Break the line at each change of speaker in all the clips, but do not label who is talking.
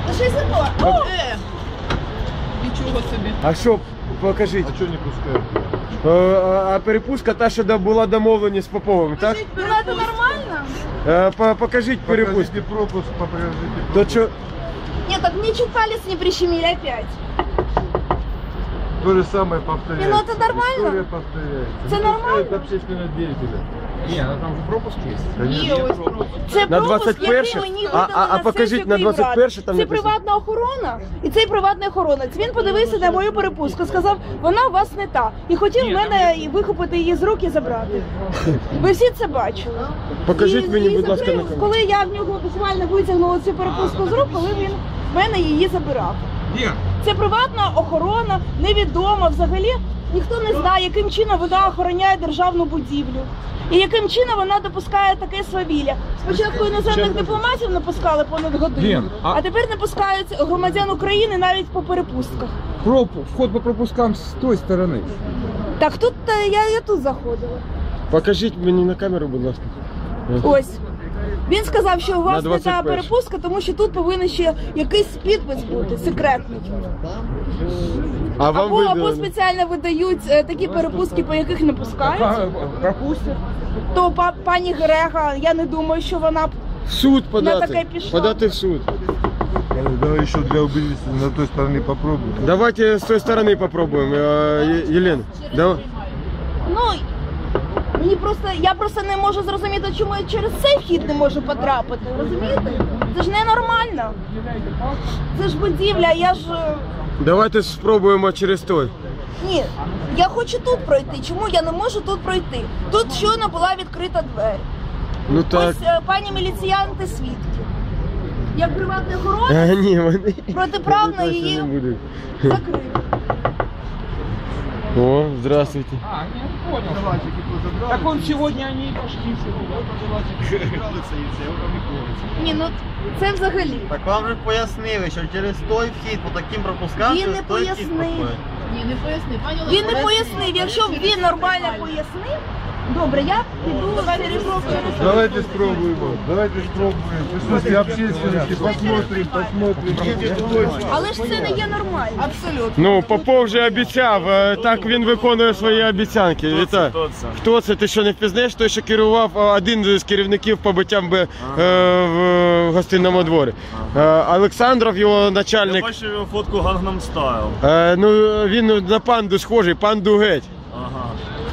Ну що це було?
Нічого собі.
А що, покажіть.
А чого не пускають?
А перепустка та, що була домовлені з Поповим, так?
Ну це нормально?
Покажіть перепустку.
Покажите пропуск, покажите
То
пропуск.
що?
Нет, так мне чуть палец не прищемили опять.
То же самое повторяется.
Ну, это нормально.
История повторяется.
Это
Не
нормально.
пускают общественного деятеля.
Ні, ну там же пропуск є.
Є ось пропуск.
Це
На
пропуск,
21-й?
який мені
А
видали
покажіть,
сесію
на
Київради.
21-й там
Це
написано.
приватна охорона, і цей приватний охоронець. Він подивився на мою перепустку, сказав, вона у вас не та. І хотів мене вихопити її з рук і забрати. Ви всі це бачили.
Покажіть мені, будь ласка, на
закрив,
камеру.
коли я в нього буквально витягнула цю перепустку з рук, коли він в мене її забирав. Це приватна охорона, невідома взагалі. Ніхто не знає, яким чином вона охороняє державну будівлю. І яким чином вона допускає таке свавілля. Спочатку іноземних дипломатів не понад годину, а тепер не пускають громадян України навіть по перепустках.
Вход по пропускам з тої сторони.
Так тут я тут заходила.
Покажіть мені на камеру, будь ласка.
Ось. Він сказав, що у вас
На
не та
21-й.
перепустка, тому що тут повинен ще якийсь підпис бути, секретний.
А вам
Або
видали?
спеціально видають такі перепустки, по яких не пускають.
Пропустять.
То пані Грега, я не думаю, що вона
В суд
таке
подати.
пішла.
Подати в суд.
Давай еще для убедительности на той стороне попробуем.
Давайте з тої сторони попробуємо, Єлена.
Ну, я просто не можу зрозуміти, чому я через цей вхід не можу потрапити, розумієте? Це ж ненормально. Це ж будівля, я ж...
Давайте спробуємо через той.
Ні, я хочу тут пройти, чому я не можу тут пройти? Тут щойно була відкрита двері.
Ну так.
Ось пані міліціянти свідки. Як приватний охоронець
Ні, вони...
протиправно
вони точно
її
не будуть.
закрив.
О, здравствуйте.
А, не понял. Так он сегодня они и пошли.
Ні, ну це взагалі.
Так вам же пояснили, що через той вхід по таким пропускам
Він
через
не
той вхід
пояснив.
проходить.
Ні, не поясни. Пані
Він не пояснив. Якщо б він нормально пояснив, добре, я піду через
Давайте спробуем. Давайте спробуем. В присутствии общественности посмотрим.
Але ж це не є нормально.
Абсолютно.
Ну, Попов вже обіцяв, так він виконує свої обіцянки. Вітаю. Хто це? Ти що не впізнаєш? Той, що керував, один з керівників побиттям в гостинному дворі. Олександров, його начальник.
Я бачив його фотку Gangnam Style.
Ну, він на панду схожий, панду геть.
Ага.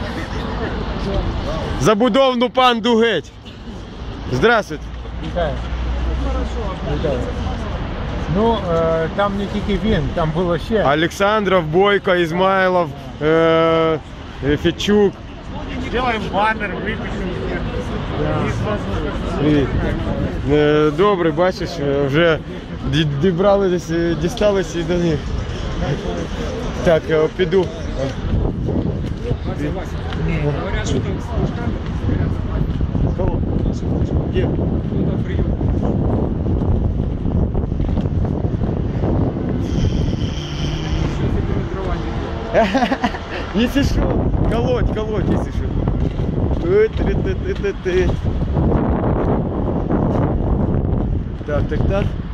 Забудовну панду геть. Здравствуйте.
Вітаю. Вітаю. Ну, там не тільки він, там було ще.
Олександров, Бойко, Ізмайлов, Федчук.
Делаем баннер, випишемо.
Привіт. Добре, бачиш, вже дісталися і до них. Так, піду. Где? Если что, колоть, если что. Так.